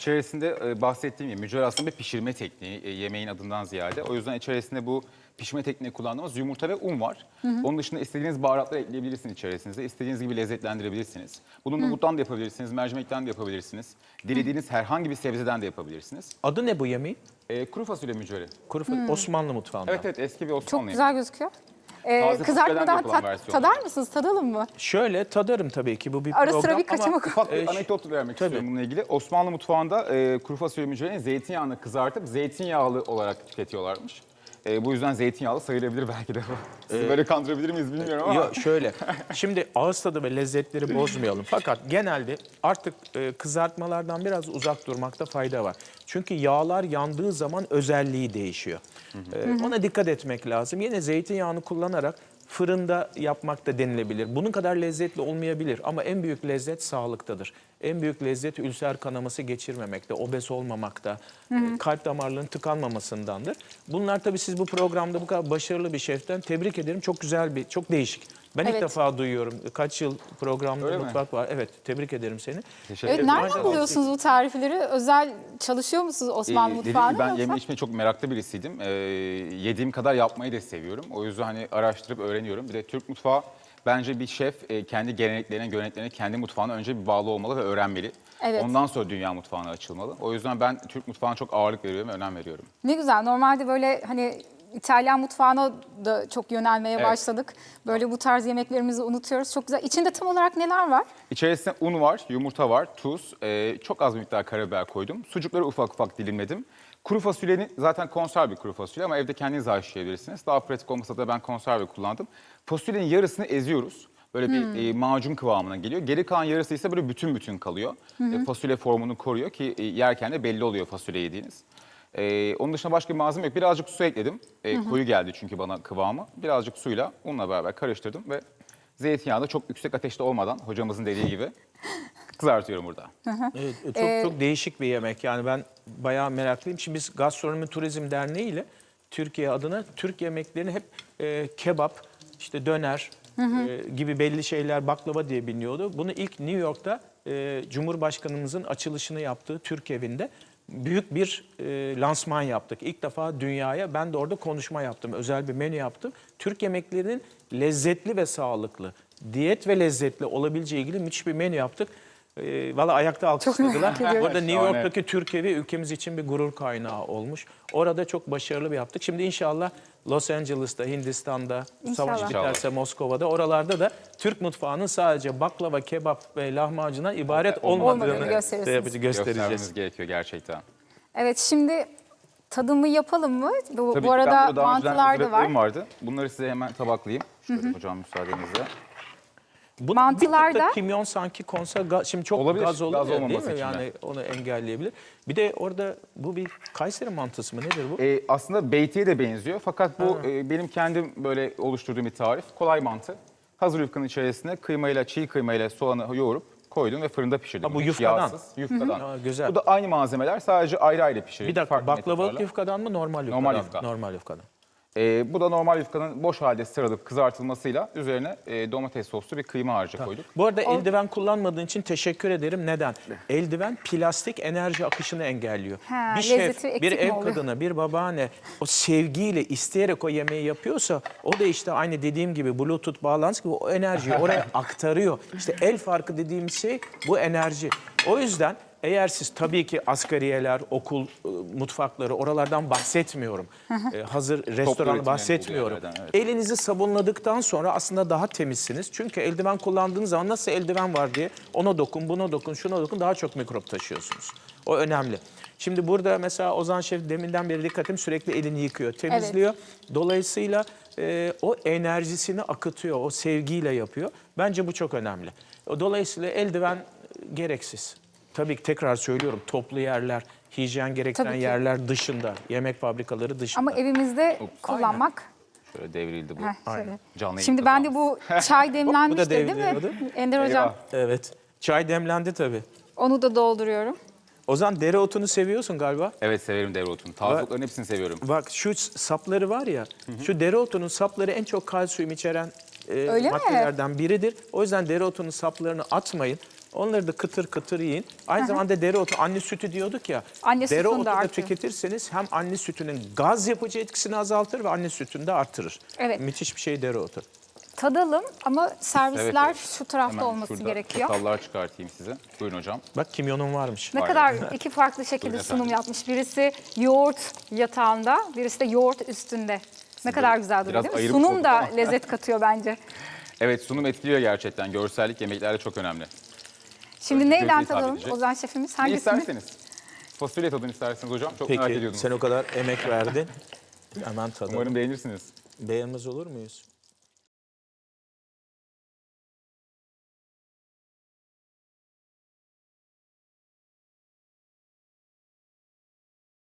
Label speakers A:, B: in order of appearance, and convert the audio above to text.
A: İçerisinde bahsettiğim gibi mücver aslında bir pişirme tekniği yemeğin adından ziyade. O yüzden içerisinde bu pişirme tekniği kullandığımız yumurta ve un var. Onun dışında istediğiniz baharatları ekleyebilirsiniz içerisinize. İstediğiniz gibi lezzetlendirebilirsiniz. Bunu nohuttan da yapabilirsiniz, mercimekten de yapabilirsiniz. Dilediğiniz herhangi bir sebzeden de yapabilirsiniz.
B: Adı ne bu yemeğin?
A: Kuru fasulye mücveri.
B: Osmanlı mutfağında.
A: Evet evet, eski bir Osmanlı
C: Çok
A: yemeği.
C: güzel gözüküyor.
A: Taze
C: Kızartmadan
A: fasulyeden yapılan versiyonu.
C: tadar mısınız? Tadalım mı?
B: Şöyle tadarım tabii ki, bu bir
C: Ara
B: program
C: sıra bir
B: ama
C: kaçamak.
A: Ufak bir
B: Ş-
A: anekdot vermek
B: tabii.
A: istiyorum bununla ilgili. Osmanlı mutfağında kuru fasulye mücverini zeytinyağını kızartıp zeytinyağlı olarak tüketiyorlarmış. Bu yüzden zeytinyağlı sayılabilir belki de. Sizi böyle kandırabilir miyiz bilmiyorum ama.
B: Yok şöyle, şimdi ağız tadı ve lezzetleri bozmayalım. Fakat genelde artık kızartmalardan biraz uzak durmakta fayda var. Çünkü yağlar yandığı zaman özelliği değişiyor. Ona dikkat etmek lazım. Yine zeytinyağını kullanarak fırında yapmak da denilebilir. Bunun kadar lezzetli olmayabilir ama en büyük lezzet sağlıktadır. En büyük lezzet ülser kanaması geçirmemekte, obez olmamakta, kalp damarlarının tıkanmamasındandır. Bunlar tabii siz bu programda bu kadar başarılı bir şeften tebrik ederim. Çok güzel bir, çok değişik. Ben ilk
C: Evet.
B: defa duyuyorum. Kaç yıl programda
A: Öyle mi?
B: mutfak var. Evet, tebrik ederim seni.
A: Teşekkür
C: Evet,
A: ederim.
C: nereden buluyorsunuz bu tarifleri? Özel çalışıyor musunuz Osmanlı
A: Dediğim
C: mutfağında
A: gibi ben
C: yoksa?
A: yeme içmeye çok meraklı birisiydim. Yediğim kadar yapmayı da seviyorum. O yüzden hani araştırıp öğreniyorum. Bir de Türk mutfağı, bence bir şef kendi geleneklerine, göreneklerine, kendi mutfağına önce bir bağlı olmalı ve öğrenmeli.
C: Evet.
A: Ondan sonra dünya mutfağına açılmalı. O yüzden ben Türk mutfağına çok ağırlık veriyorum ve önem veriyorum.
C: Ne güzel. Normalde böyle hani İtalyan mutfağına da çok yönelmeye
A: Evet.
C: başladık. Böyle bu tarz yemeklerimizi unutuyoruz. Çok güzel. İçinde tam olarak neler var?
A: İçerisinde un var, yumurta var, tuz, çok az bir miktar karabiber koydum. Sucukları ufak ufak dilimledim. Kuru fasulyenin zaten konserve kuru fasulye ama evde kendiniz haşlayabilirsiniz. Daha pratik olmasa da ben konserve kullandım. Fasulyenin yarısını eziyoruz. Böyle bir macun kıvamına geliyor. Geri kalan yarısı ise böyle bütün bütün kalıyor. Fasulye formunu koruyor ki yerken de belli oluyor fasulye yediğiniz. Onun dışında başka bir malzeme yok. Birazcık su ekledim. Koyu geldi çünkü bana kıvamı. Birazcık suyla unla beraber karıştırdım ve zeytinyağı da çok yüksek ateşte olmadan hocamızın dediği gibi kızartıyorum burada.
B: Evet, çok değişik bir yemek. Yani ben bayağı meraklıyım. Şimdi biz Gastronomi Turizm Derneği ile Türkiye adına Türk yemeklerini hep kebap, işte döner gibi belli şeyler, baklava diye biliniyordu. Bunu ilk New York'ta Cumhurbaşkanımızın açılışını yaptığı Türk evinde büyük bir lansman yaptık. İlk defa dünyaya, ben de orada konuşma yaptım. Özel bir menü yaptım. Türk yemeklerinin lezzetli ve sağlıklı, diyet ve lezzetli olabileceği ilgili müthiş bir menü yaptık. Valla ayakta alkışladılar.
C: merak ediyorum.
B: Orada New
A: Şahane.
B: York'taki Türk evi ülkemiz için bir gurur kaynağı olmuş. Orada çok başarılı bir yaptık. Şimdi inşallah Los Angeles'ta, Hindistan'da, savaş
C: İnşallah.
B: biterse Moskova'da, oralarda da Türk mutfağının sadece baklava, kebap ve lahmacundan ibaret
C: Olmadığını
B: olmadığını
C: gösterirsiniz.
B: göstereceğiz.
A: Göstermemiz gerekiyor gerçekten.
C: Evet, şimdi tadımı yapalım mı? Bu
A: Tabii ki, ben
C: arada
A: burada daha önceden
C: mantılar da var.
A: hazırladığım vardı. Bunları size hemen tabaklayayım. Şöyle hocam müsaadenizle.
B: Bu
C: Mantılar
B: bir tık
C: da-
B: da kimyon sanki konsa şimdi çok
A: Olabilir,
B: gaz olur
A: gaz
B: ya, değil
A: olmaması
B: mi?
A: için
B: Yani onu engelleyebilir. Bir de orada bu bir Kayseri mantısı mı, nedir bu?
A: Aslında beytiye de benziyor fakat bu benim kendim böyle oluşturduğum bir tarif. Kolay mantı. Hazır yufkanın içerisine kıymayla, çiğ kıymayla soğanı yoğurup koydum ve fırında pişirdim.
B: Ha, bu
A: Hiç
B: yufkadan.
A: Yağsız, yufkadan.
B: Ha, güzel.
A: Bu da aynı malzemeler, sadece ayrı ayrı pişirildi.
B: Bir dakika,
A: farklı
B: baklavalık
A: metotlarla.
B: yufkadan mı, normal yufkadan
A: Normal
B: mı?
A: yufka.
B: Normal yufkadan.
A: Bu da normal yufkanın boş halde sarılıp kızartılmasıyla üzerine domates soslu bir kıyma harcı koyduk.
B: Bu arada eldiven kullanmadığın için teşekkür ederim. Neden? Eldiven plastik enerji akışını engelliyor.
C: Ha,
B: Bir şef,
C: lezzeti eksik
B: bir
C: mi
B: ev
C: oluyor?
B: kadını, bir babaanne o sevgiyle, isteyerek o yemeği yapıyorsa o da işte aynı dediğim gibi Bluetooth bağlantısı gibi o enerjiyi oraya aktarıyor. İşte el farkı dediğimiz şey bu enerji. O yüzden eğer siz, tabii ki asgariyeler, okul mutfakları, oralardan bahsetmiyorum. Hazır restoranı
A: üretimi
B: bahsetmiyorum.
A: olduğu yerlerden, evet.
B: Elinizi sabunladıktan sonra aslında daha temizsiniz. Çünkü eldiven kullandığınız zaman nasıl eldiven var diye ona dokun, buna dokun, şuna dokun, daha çok mikrop taşıyorsunuz. O önemli. Şimdi burada mesela Ozan Şef deminden beri dikkatim sürekli elini yıkıyor, temizliyor. Dolayısıyla o enerjisini akıtıyor, o sevgiyle yapıyor. Bence bu çok önemli. Dolayısıyla eldiven gereksiz. Tabii ki tekrar söylüyorum, toplu yerler, hijyen gerektiren
C: Tabii ki.
B: yerler dışında, yemek fabrikaları dışında.
C: Ama evimizde kullanmak.
A: Şöyle devrildi bu.
C: Heh, şöyle.
A: Canlı
C: Şimdi
A: yayın
C: ben de bu çay demlenmişti değil mi?
B: devriyordu.
C: Ender Hocam,
A: Eyvah.
B: Evet, çay demlendi tabii.
C: onu da dolduruyorum.
B: Ozan, dereotunu seviyorsun galiba.
A: Evet, severim dereotunu. Tazlıkların hepsini seviyorum.
B: Bak şu sapları var ya, şu dereotunun sapları en çok kalsiyum içeren
C: Öyle mi?
B: maddelerden biridir. O yüzden dereotunun saplarını atmayın. Onları da kıtır kıtır yiyin. Aynı zamanda dereotu, anne sütü diyorduk ya.
C: Anne sütünü de
B: dereotu da
C: artıyor.
B: tüketirseniz hem anne sütünün gaz yapıcı etkisini azaltır ve anne sütünü de artırır.
C: Evet.
B: Müthiş bir şey dereotu.
C: Tadalım ama servisler
A: Evet.
C: şu tarafta
A: Hemen
C: olması
A: şurada
C: gerekiyor.
A: çatallar çıkartayım size. Buyurun hocam.
B: Bak kimyonun varmış.
C: Ne
A: Var
C: kadar
A: ya.
C: iki farklı şekilde
A: Buyurun
C: sunum
A: efendim.
C: yapmış. Birisi yoğurt yatağında, birisi de yoğurt üstünde. Ne kadar güzel duruyor
A: biraz
C: değil mi?
A: ayırmış
C: Sunum
A: olduk
C: da
A: ama.
C: lezzet katıyor bence.
A: Evet, sunum etkiliyor gerçekten. Görsellik yemeklerde çok önemli.
C: Şimdi
A: Göze
C: neyden
A: hitap
C: tadalım
A: edecek.
C: Ozan şefimiz?
A: Ne
C: Hangisini?
A: isterseniz. Fasulye tadını isterseniz hocam. Çok merak
B: Peki
A: ediyordum.
B: sen o kadar emek verdin. Hemen tadalım.
A: Umarım beğenirsiniz.
B: Beğenmez olur muyuz?